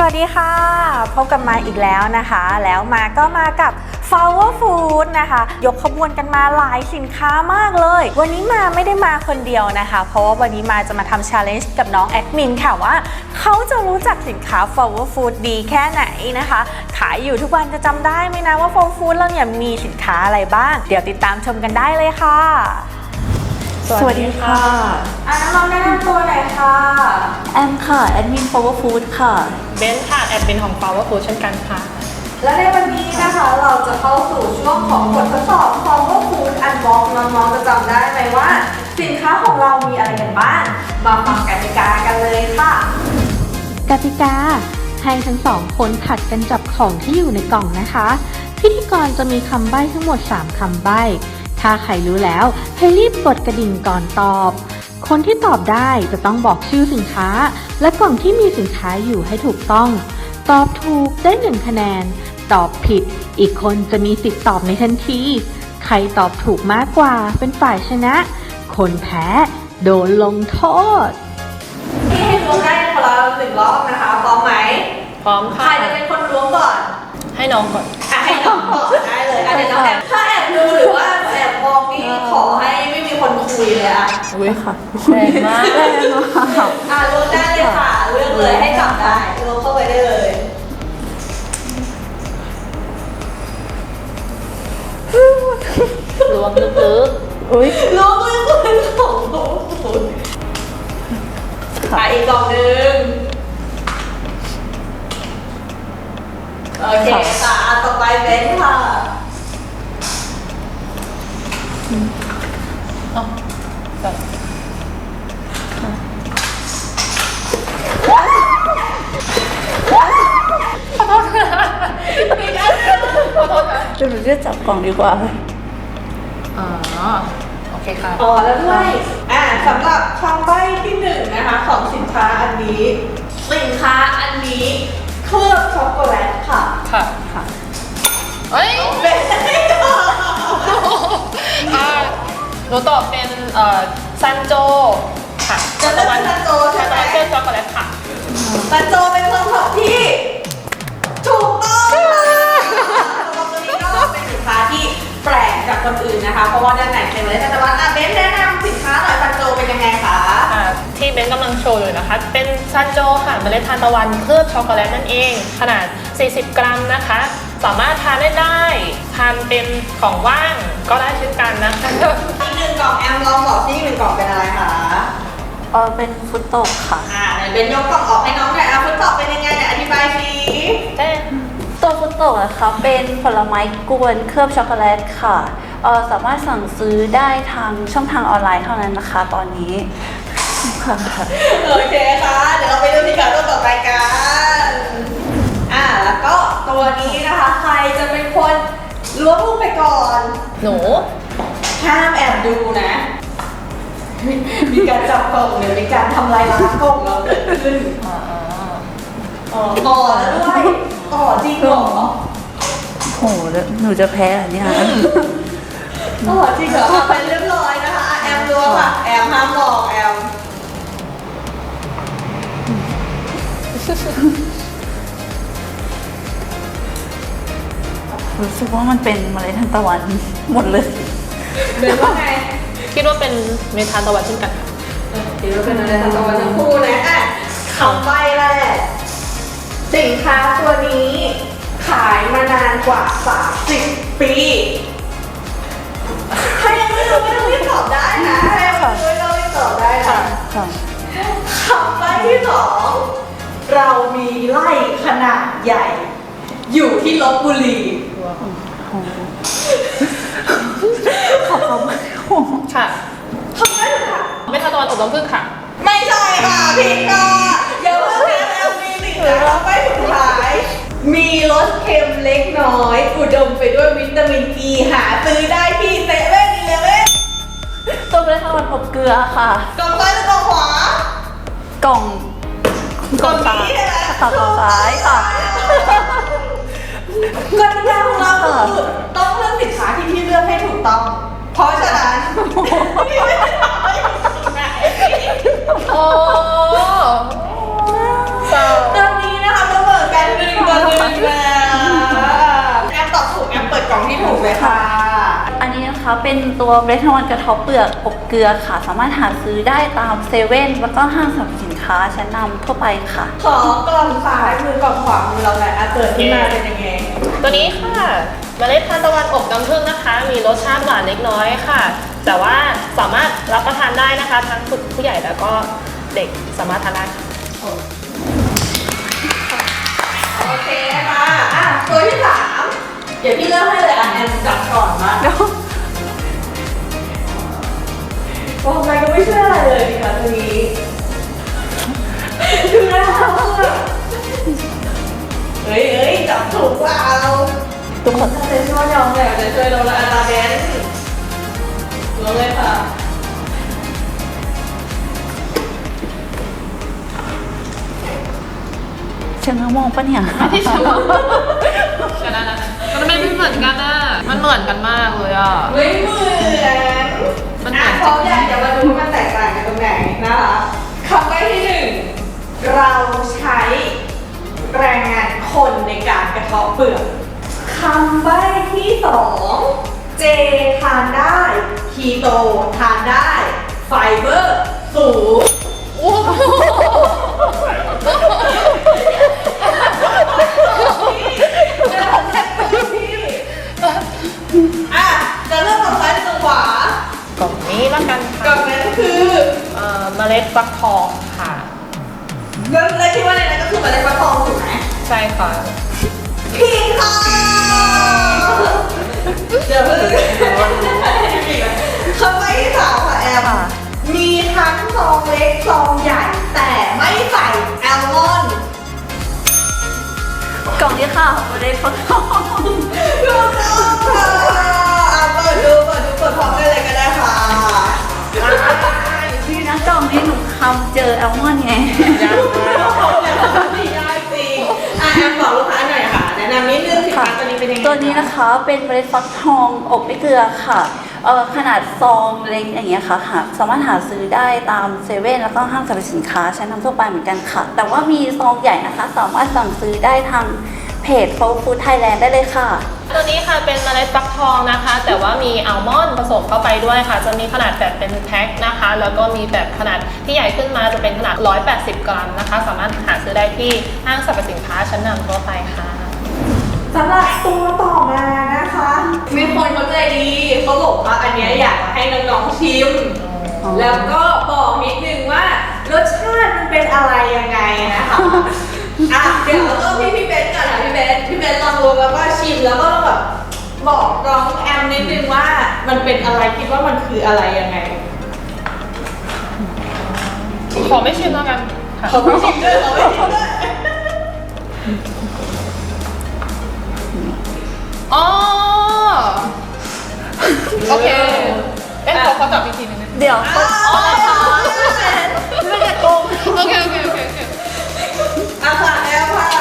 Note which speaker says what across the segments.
Speaker 1: วัสดีค่ะพบกันมาอีกแล้วนะคะแล้วก็มากับ Flower Food นะคะยกขบวนกันมาหลายสินค้ามากเลยวันนี้มาไม่ได้มาคนเดียวนะคะเพราะว่าวันนี้มาจะมาทำ challenge กับน้องแอดมินค่ะว่าเขาจะรู้จักสินค้า Flower Food ดีแค่ไหนนะคะขายอยู่ทุกวันจะจำได้ไหมนะว่า Flower Food เราเนี่ยมีสินค้าอะไรบ้างเดี๋ยวติดตามชมกันได้เลยค่ะ
Speaker 2: สวัสดีค่ะ
Speaker 1: น้องแนะนำตัวหน่อยค่ะ
Speaker 2: แอมค่ะแอดมิน Flower Food ค่ะ
Speaker 3: เบนค่ะแอดมินของ Flower Food เช่นกันค่ะ
Speaker 1: และในวันนี้นะคะเราจะเข้าสู่ช่วงของบททดสอบ Flower Food Unbox น้องๆจะจำได้ไหมว่าสินค้าของเรามีอะไรกันบ้างมาฟังกติกากันเลยค่ะ
Speaker 4: กติกาให้ทั้งสองคนผัดกันจับของที่อยู่ในกล่องนะคะพิธีกรจะมีคำใบ้ทั้งหมด3คำใบ้ถ้าใครรู้แล้วให้รีบกดกระดิ่งก่อนตอบคนที่ตอบได้จะต้องบอกชื่อสินค้าและกล่องที่มีสินค้าอยู่ให้ถูกต้องตอบถูกได้1คะแนนตอบผิดอีกคนจะมีสิทธิ์ตอบในทันทีใครตอบถูกมากกว่าเป็นฝ่ายชนะคนแพ้โดนลงโทษ
Speaker 1: ที่ให้ล้วงได้คนละ1 รอบนะคะพร้อมไหม
Speaker 3: พร้อมค่ะ
Speaker 1: ใครจะเป็นคนล้วงก่อน
Speaker 3: ให้น้องก่อน
Speaker 1: ให้น้องก่อนได้เลยเดี๋ยวน้องแอบถ้าแอบดูหรือว่าแอบมองนี่ขอให้ไม่มีคนคุยเลย
Speaker 3: อุ้ยค่ะแรงมาก
Speaker 1: ล้วงได้เลยค่ะเลือกเลยให้จับได้ล้วงเข้าไปได้เลย
Speaker 3: ล้วงลึกๆ
Speaker 1: อุ้ยล้วงลึกเป็นของน้องคุณอีกกล่องหนึ่งโอเคค่ะต่อไปเบนค่ะ
Speaker 3: ขอโทษค่ะขอโทษค่ะ
Speaker 2: เดี๋ยวหนูจะจับกล่องดีกว่า
Speaker 3: โอเคค่ะ
Speaker 1: แล้วด้วยสำหรับคำใบ้ที่1นะคะของสินค้าอันนี้สินค้าอันนี้เคลือบช็อกโกแลตค่ะ
Speaker 3: เฮ้ย
Speaker 1: เป็น
Speaker 3: หนูตอบเป็นซันโจค่ะ
Speaker 1: จะเลือกซันโจใช่ไหม
Speaker 3: เคลือบช็อกโกแลตค่ะ
Speaker 1: ซันโจเป็นคำตอบที่ถูกต้องตัวนี้ก็เป็นสินค้าที่แปลกจากคนอื่นนะคะเพราะว่าด้านในเป็นเลยแต่ว่าเบนแนะนำสินค้าหน่อยซันโจเป็นยังไงคะ
Speaker 3: ที่เบนกำลังโชว์อยู่นะคะเป็นซันโจค่ะเมล็ดทานตะวันเคลือบช็อกโกแลตนั่นเองขนาด40 กรัมนะคะสามารถทานได้ทานเป็นของว่างก็ได้เช่นกันนะคะ
Speaker 1: อีก1 กล่องแอมลองบอกที่1 กล่องเป็นอะไรคะ
Speaker 2: เป็นฟุตโตะค่ะ
Speaker 1: ไหนเบนยกกล่องออกให้น้องหน่อยฟุตโตะเป็นยังไงเนี่ยอธิบายสิ
Speaker 2: ตัวฟุตโตะนะคะเป็นผลไม้กวนเคลือบช็อกโกแลตค่ะสามารถสั่งซื้อได้ทางช่องทางออนไลน์เท่านั้นนะคะตอนนี้
Speaker 1: โอเคค่ะเดี๋ยวเราไปดูสินค้าตัวต่อไปกันแล้วก็ตัวนี้นะคะใครจะเป็นคนล้วงลูกไปก่อน
Speaker 3: หนู
Speaker 1: ห้ามแอบดูนะมีการจับกล่องหรือมีการทำลายล้างกล่องเราเกิดขึ้นแล้วด้วยจริงเหรอ
Speaker 2: โหหนูจะแพ้อันนี้ค่ะ
Speaker 1: จริงเหรอไปเรียบร้อยนะคะแอมล้วงค่ะแอมห้ามมองแอม
Speaker 2: รู้สึกว่ามันเป็นเมล็ดทานตะวันหมดเลย
Speaker 1: เป็นว่าไง
Speaker 3: คิดว่าเป็นเมล็ดทานตะวันเช่นกัน
Speaker 1: คิดว่าเป็นเมล็ดทานตะวันทั้งคู่นะคำใบ้แรกสินค้าตัวนี้ขายมานานกว่า30 ปีถ้ายังไม่รู้ไม่ต้องรีบตอบได้นะถ้ายังไม่รู้ไม่ต้องรีบตอบได้นะคำใบ้ที่2เรามีไร่ขนาดใหญ่อยู่ที่ลพบุรี
Speaker 3: ค่ะ
Speaker 1: ทำได้ค่ะ
Speaker 3: ไม่ทานตะวันอบน้ำผึ้งค่ะ
Speaker 1: ไม่ใช่ค่ะผิดค่ะเดี๋ยวเพิ่งแล้วมีสินค้าใบ้สุดท้ายมีรสเค็มเล็กน้อยอุดมไปด้วยวิตามินอีหาซื้อได้ที่เซเว่น11
Speaker 2: ตัวเมล็ดทานตะวันอบเกลือค่ะ
Speaker 1: กล่องซ้ายหรือกล่องขวาก
Speaker 2: ล่อง
Speaker 1: นี้ใช่ไหม
Speaker 2: กล่องซ้ายค่ะ
Speaker 1: กติกาของเราคือต้องเลือกสินค้าที่พี่เลือกให้ถูกต้องเพราะฉะนั้นพี่ไม่ได้ทำให้ถูกต้อง
Speaker 3: โอ้
Speaker 1: เรื่องนี้นะคะเสมอ
Speaker 2: เป็นตัวเบรดทวันกระเทบเปลือกอบเกลือค่ะ สามารถหาซื้อได้ตามเซเว่นแล้วก็ห้างสรรพสินค้าชั้นนำทั่วไปค่ะ
Speaker 1: ขอกล่องซ้ายมือกล่องขวามือเราเลยเปิดขึ้นมาเป็นยังไง
Speaker 3: ตัวนี้ค่ะเมล็ดทานตะวันอบน้ำผึ้งนะคะ มีรสชาติหวานเล็กน้อยค่ะ แต่ว่าสามารถรับประทานได้นะคะ ทั้งผู้ใหญ่แล้วก็เด็กสามารถทานได้ค่ะ
Speaker 1: โอเคค่ะตัวที่สามเดี๋ยวพี่เริ่มให้เลยแอมจับก่อนมาบอกอะไรก็ไม่เชื่ออะไรเลยดีค่ะตัวนี้ดูนะคะเฮ้ยจับถูกเปล่าทุกคนถ้าเป็นช่วยยอมเลยจะช่วยเราละอาตาเดนลงเลยค่ะ
Speaker 2: เชิงมองปะเนี่ย
Speaker 3: ไม่ใช่ชนะนะมันไม่เหมือนกันอ่ะมันเหมือนกันมากเลยอ่ะ
Speaker 1: ไม่เหมือนพร้อมยังจะมาดูว่ามันแตกต่างกันตรงไหนนะคะคำใบ้ที่หนึ่งเราใช้แรงงานคนในการกระเทาะเปลือกคำใบ้ที่สองเจทานได้คีโตทานได้ไฟเบอร์สูงจะเริ่มจากซ้ายไปขวาก
Speaker 3: ล่องนี้ละกัน
Speaker 1: กล่
Speaker 3: ค่ะ
Speaker 1: องนั้นคือ
Speaker 3: เมล็ดฟักทองค่ะ
Speaker 1: แล้วที่ว่าในนั้นก็คือเมล็ดฟักทองถูกไหม
Speaker 3: ใช่ค่ะ
Speaker 1: ผิดค่ะเดี๋ยวเพิ่งคำใบ้ที่สามค่ะแอมมีทั้งซองเล็กซองใหญ่แต่ไม่ใส่แอลมอนด์
Speaker 2: กล่องนี้ค่ะเบรดฟักทอง
Speaker 1: ถูกต้องค่ะเปิดดูพร้อมกันเลยก็ได้ค่ะ
Speaker 2: นี่นะกล่องนี้หนูคำเจอแอลมอนด์ไง
Speaker 1: ไม่ได้จริงแอมบอกลูกค้าหน่อยค่ะแนะนำนิดนึงสินค้าตัวนี้เป็นยังไง
Speaker 2: ตัวนี้นะคะเป็นเมล็ดฟักทองอบไม่เกลือค่ะขนาดซองเล็กอย่างเงี้ยค่ะสามารถหาซื้อได้ตามเซเว่นแล้วก็ห้างสรรพสินค้าชั้นนำทั่วไปเหมือนกันค่ะ แต่ว่ามีซองใหญ่นะคะ สามารถสั่งซื้อได้ทางเพจ Flow Food Thailand ได้เลยค่ะ
Speaker 3: ตัวนี้ค่ะเป็นเมล็ดฟักทองนะคะ แต่ว่ามีอัลมอนด์ผสมเข้าไปด้วยค่ะ จะมีขนาดแบบเป็นแพ็คนะคะ แล้วก็มีแบบขนาดที่ใหญ่ขึ้นมาจะเป็นขนาด180 กรัมนะคะ สามารถหาซื้อได้ที่ห้างสรรพสินค้าชั้นนำทั่วไปค่ะ
Speaker 1: สำหรับตัวต่อมานะคะ มีคนเขาใจดีเขาบอกว่าอันเนี้ยอยากให้น้องๆชิม แล้วก็บอกนิดนึงว่ารสชาติมันเป็นอะไรยังไงนะคะเดี๋ยวเริ่มพี่เบนก่อนค่ะพี่เบนลองดูแล้วก็ชิมแล้วก็แบบบอกน้องแอมนิดนึงว่ามันเป็นอะไรคิดว่ามันคืออะไรยังไง
Speaker 3: ขอไม่ชิมแล้วกันค่ะ
Speaker 1: เขาไม่ชิมด้วย
Speaker 3: อ๋อโอเคเอ๊ะเขาจับอีกทีนึงนะ
Speaker 2: เดี๋ยวเขา
Speaker 3: อ๋อค่ะ
Speaker 2: ไม่ได้โกง
Speaker 3: โอเค
Speaker 1: ค่ะ
Speaker 3: แอม
Speaker 1: ค่ะ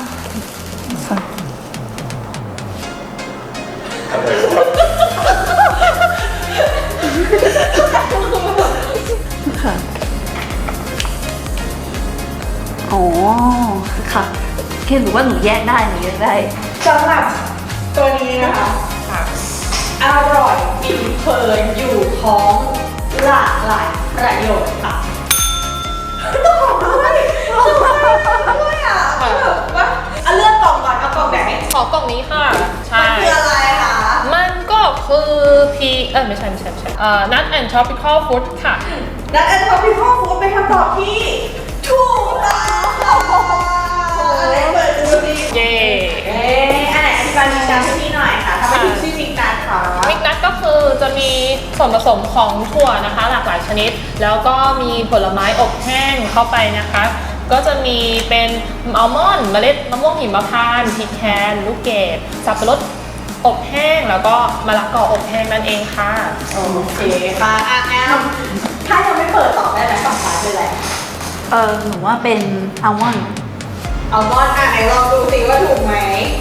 Speaker 2: อ๋อค่ะแค่รู้ว่าหนูแยกได้
Speaker 1: สำหรับตัวนี้นะคะ
Speaker 3: ค่ะ
Speaker 1: อร่อยกินเพลินอยู่ท้องหลากหลายประโยชน์ค่ะต้องด้วยอ่ะแบบว่าเลือกกล่องก่อนเอากล่องไหน
Speaker 3: ขอกล่องนี้ค่ะ ใช่
Speaker 1: มันคืออะไรคะ
Speaker 3: มันก็คือไม่ใช่Nut and Tropical Fruit ค่ะ
Speaker 1: นัทแอนด์ท็อปปี้ข้อฟูดเป็นคำตอบที่ถูกต้องค่ะอะไรเปิดดูดิ
Speaker 3: เย้
Speaker 1: อันไหนอธิบายมิกนัทให้พี่หน่อยค่ะทำไมถึงชื่อมิกนัทคะ
Speaker 3: มิกนัทก็คือจะมีส่วนผสมของถั่วนะคะ หลากหลายชนิด แล้วก็มีผลไม้อบแห้งเข้าไปนะคะ ก็จะมีเป็นอัลมอนด์เมล็ดมะม่วงหิมพานต์พีแคนลูกเกดสับปะรดอบแห้งแล้วก็มะละกออบแห้งนั่นเองค่ะ
Speaker 1: โอเคค่ะแอมถ้ายังไม่เปิดตอบได้ไหมฝั่งซ้ายเป็นอะไร
Speaker 2: หนูว่าเป็นอัลมอนด์
Speaker 1: อัลมอนด์ไหนลองดูสิว่าถูกไหม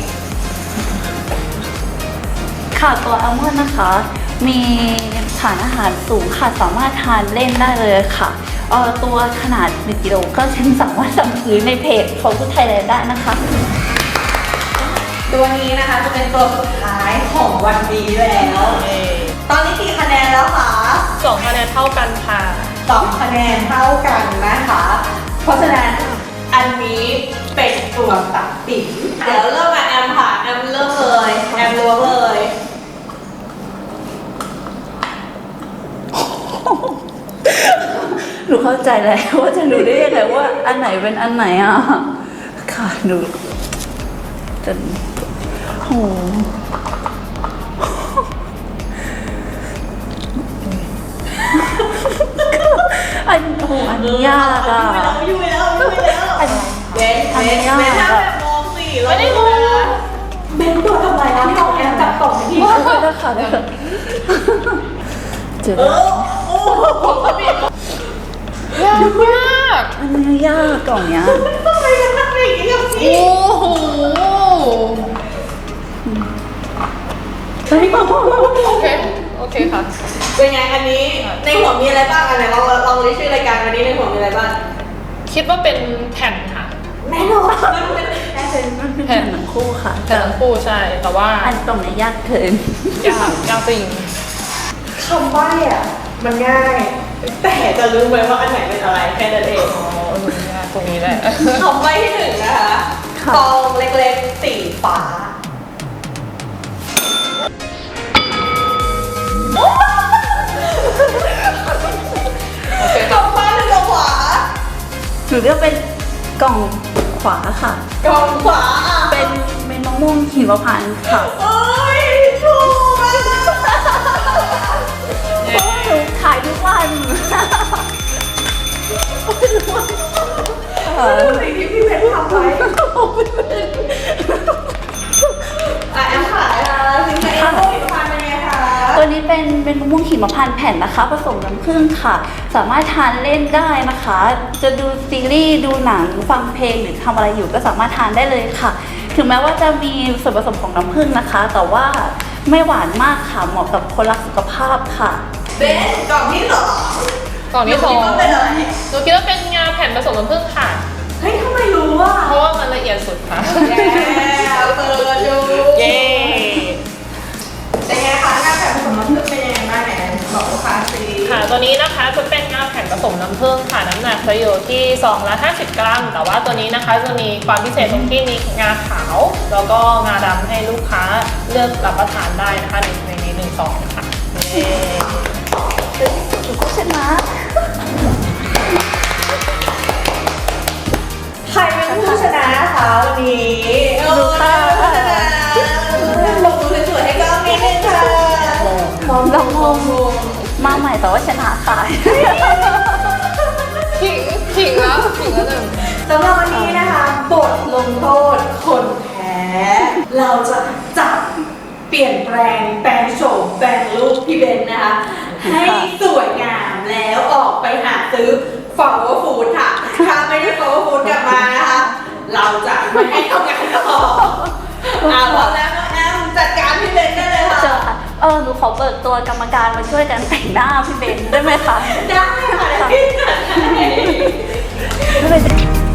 Speaker 2: ค่ะตัวอัลมอนด์นะคะ มีสารอาหารสูงค่ะ สามารถทานเล่นได้เลยค่ะตัวขนาด1 กิโลก็ฉันสามารถสั่งซื้อในเพจของผู้ไทยแลนด์ได้นะคะ
Speaker 1: ตัวนี้นะคะจะเป็นตัวสุดท้ายของวันนี้แล้วตอนนี้กี่คะแนนแล้วคะ
Speaker 3: 2 คะแนนเท่ากันค่ะ
Speaker 1: 2 คะแนนเท่ากันนะคะ เพราะฉะนั้นอันนี้เป็นตัวตัดสินเดี๋ยวเริ่มมาแอมค่ะแอมเริ่มเลยแอมล้วงเลย
Speaker 2: หนูเข้าใจแล้วว่าจะรู้ได้ยังไงว่าอันไหนเป็นอันไหนอ่ะ ค่ะหนูจนโหอันนี้ยากอ่ะ
Speaker 1: อยู่แล้วเบน
Speaker 2: อันนี้ยาก
Speaker 1: เบนถ้า
Speaker 2: อะ
Speaker 1: แบบมองสิ
Speaker 3: ไม่ได้มอง
Speaker 1: เบนตัวทำไมล่ะกล่องแอมจับกล่องที่
Speaker 2: ได้ค่ะได้ค่ะเจอ
Speaker 1: โอ้โห
Speaker 3: ยากมาก
Speaker 2: อันนี้ยากกล่องเนี้ย
Speaker 1: ทำไมกันทำอย่างนี้กับพี่
Speaker 3: โอ้โห
Speaker 2: เฮ้ย
Speaker 3: โอเค โอเคค่ะ
Speaker 1: เป็นไงอันนี้ในหัวมีอะไรบ้างอันไหนลองเรียกชื่อรายการวันนี้ในหัวมีอะไรบ้าง
Speaker 3: คิดว่าเป็นแผ่นค่ะ
Speaker 1: แน่นอนมันเป็น
Speaker 2: แผ่นหนังคู่ค่ะ
Speaker 3: แผ่นทั้งคู่ใช่ แต่ว่า
Speaker 2: อันกล่องเนี้ยยากเกิน
Speaker 3: ยากจริง
Speaker 1: คำใบ้อะมันง่าย แต่จะรู้ไหมว่าอันไหนเป็นอะไรแค่นั้นเอง
Speaker 3: อ๋อยากตรงนี้แหละ
Speaker 1: คำใบ้ที่หนึ่งนะคะ
Speaker 2: ค่ะ
Speaker 1: ฟองเล็กๆสีฟ้า
Speaker 3: โอเค
Speaker 1: กล่องฟ้าหรือ กล่องขวา
Speaker 2: หนูเลือกเป็นกล่องขวาค่ะ
Speaker 1: กล่องขวาอ่ะ
Speaker 2: เป็นมะม่วงหิมพานต์ค่ะ
Speaker 1: เอ้ยถูกอ่ะ
Speaker 2: หนูขายทุกวัน
Speaker 1: สิ่งที่พี่เพชรทำไว้อ่ะแอมขายอ่ะสิ่งที่แอมพูดมาเป็นไงคะ
Speaker 2: ตัวนี้เป็นมะม่วงหิมพานต์แผ่นนะคะ ผสมน้ำผึ้งค่ะ สามารถทานเล่นได้นะคะ จะดูซีรีส์ดูหนังฟังเพลงหรือทำอะไรอยู่ก็สามารถทานได้เลยค่ะ ถึงแม้ว่าจะมีส่วนผสมของน้ำผึ้งนะคะ แต่ว่าไม่หวานมากค่ะเหมาะกับคนรักสุขภาพค่ะ
Speaker 1: เบนกล่องที่สอง
Speaker 3: กล่องที่สอง
Speaker 1: คิดว่าเป็นอะไร
Speaker 3: หนูคิดว่าเป็นงาแผ่นผสมน้ำผึ้งค่ะ
Speaker 1: เฮ้ยทำไมรู้อ่ะ
Speaker 3: เพราะว่ามันละเอียดสุดค่ะ
Speaker 1: แย่เปิดดู
Speaker 3: เย้
Speaker 1: เป็นไงคะหน้าแบบผสมน้ำผึ้งเป็นยังไงบ้างไหนบอกลูกค้าสิ
Speaker 3: ค่ะ ตัวนี้นะคะจะเป็นงาแผ่นผสมน้ำผึ้งค่ะ น้ำหนักจะอยู่ที่ซองละ50 กรัม แต่ว่าตัวนี้นะคะจะมีความพิเศษตรงที่มีงาขาว แล้วก็งาดำให้ลูกค้าเลือกรับประทานได้นะคะในนี้1 ซองค่ะเย้
Speaker 2: หนูก็ชนะ
Speaker 1: ใครเป็นผู้ชนะคะวันนี้
Speaker 2: ลูกค้า
Speaker 1: ลงมือสวยๆให้กล้องนิดนึงค่ะมอง
Speaker 2: ลองมาใหม่แต่ว่าชนะค่ะ
Speaker 3: ขิงแล้วหนึ่ง
Speaker 1: สำหรับวันนี้นะคะบทลงโทษคนแพ้เราจะจับเปลี่ยนแปลงแปลงโฉมแปลงรูปพี่เบนนะคะ ให้สวยงามแล้วออกไปหาซื้อ Flower Food ค่ะ ถ้าไม่ได้ Flower Food กลับมานะคะ เราจะไม่ให้ทำงานต่อพร้อมแล้วน้องแอมจัดการพี่เบนได้เลยค่ะ
Speaker 2: เจอค่ะหนูขอเบิกตัวกรรมการมาช่วยกันแต่งหน้าพี่เบนได้ไหมคะ
Speaker 1: ได้ค่ะได้พี่จัดให้
Speaker 2: ไม่เป็นไร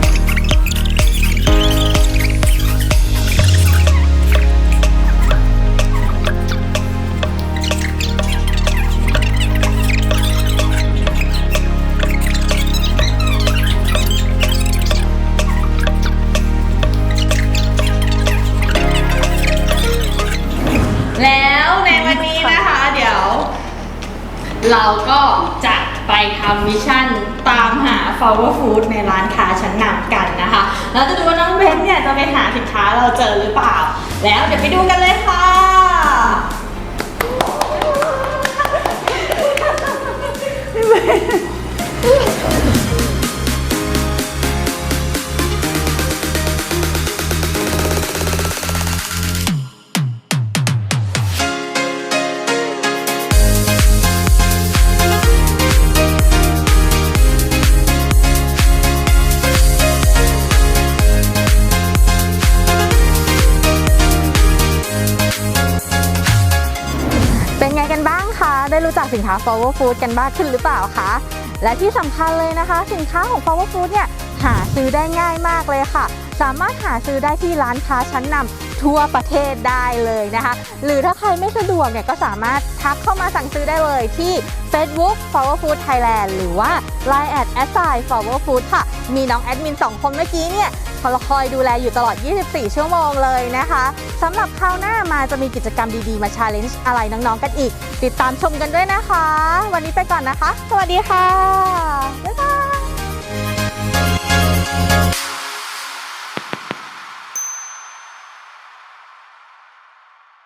Speaker 1: แล้วในวันนี้นะคะ เดี๋ยว เราก็จะไปทำมิชชั่นตามหา Flower Food ในร้านค้าชั้นนำกันนะคะแล้วจะดูว่าน้องเบนเนี่ยจะไปหาสินค้าเราเจอหรือเปล่า แล้วเดี๋ยวไปดูกันเลยค่ะ
Speaker 4: เป็นไงกันบ้างคะ ได้รู้จักสินค้า Flower Food กันมากขึ้นหรือเปล่าคะ และที่สำคัญเลยนะคะ สินค้าของ Flower Food เนี่ยหาซื้อได้ง่ายมากเลยค่ะ สามารถหาซื้อได้ที่ร้านค้าชั้นนำ
Speaker 1: ทั่วประเทศได้เลยนะคะ หรือถ้าใครไม่สะดวกเนี่ยก็สามารถทักเข้ามาสั่งซื้อได้เลยที่ Facebook Flower Food Thailand หรือว่า Line @Flower Food ค่ะมีน้องแอดมิน2คนเมื่อกี้เนี่ยเขาคอยดูแลอยู่ตลอด24ชั่วโมงเลยนะคะสำหรับคราวหน้ามาจะมีกิจกรรมดีๆมา challenge อะไรน้องๆกันอีกติดตามชมกันด้วยนะคะวันนี้ไปก่อนนะคะสวัสดีค่ะบ๊ายบาย